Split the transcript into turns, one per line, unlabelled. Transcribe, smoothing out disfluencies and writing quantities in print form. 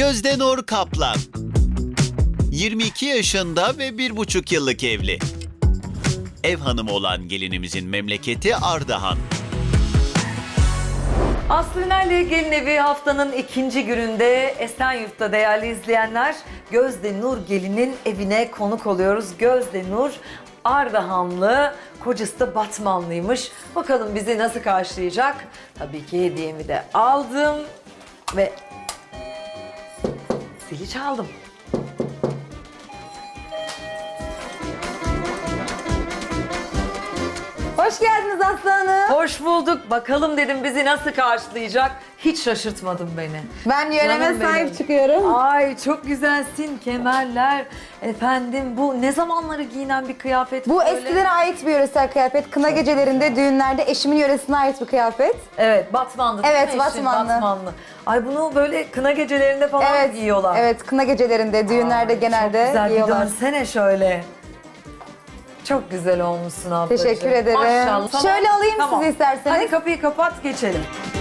Gözde Nur Kaplan. 22 yaşında ve 1,5 yıllık evli. Ev hanımı olan gelinimizin memleketi Ardahan.
Aslı Ünal'le Gelin Evi haftanın ikinci gününde Esenyurt'ta değerli izleyenler Gözde Nur Gelin'in evine konuk oluyoruz. Gözde Nur Ardahanlı, kocası da Batmanlıymış. Bakalım bizi nasıl karşılayacak? Tabii ki hediyemi de aldım ve zili çaldım.
Hoş geldiniz Aslı Hanım.
Hoş bulduk. Bakalım dedim bizi nasıl karşılayacak? Hiç şaşırtmadın beni.
Ben yöreme
Canım
sahip
benim.
çıkıyorum.
Ay çok güzelsin, kemerler. Efendim bu ne zamanları giyinen bir kıyafet?
Bu
böyle?
eskilere ait bir yöresel kıyafet. Kına gecelerinde, düğünlerde eşimin yöresine ait bir kıyafet.
Evet, Batmanlı değil
Evet,
mi eşin?
Batmanlı.
Ay bunu böyle kına gecelerinde falan
Evet,
giyiyorlar.
evet kına gecelerinde, düğünlerde
Ay,
genelde
çok güzel,
giyiyorlar.
bir dönsene şöyle. Çok güzel olmuşsun ablacığım.
Teşekkür ederim.
Maşallah.
Şöyle alayım sizi isterseniz.
Hadi kapıyı kapat geçelim.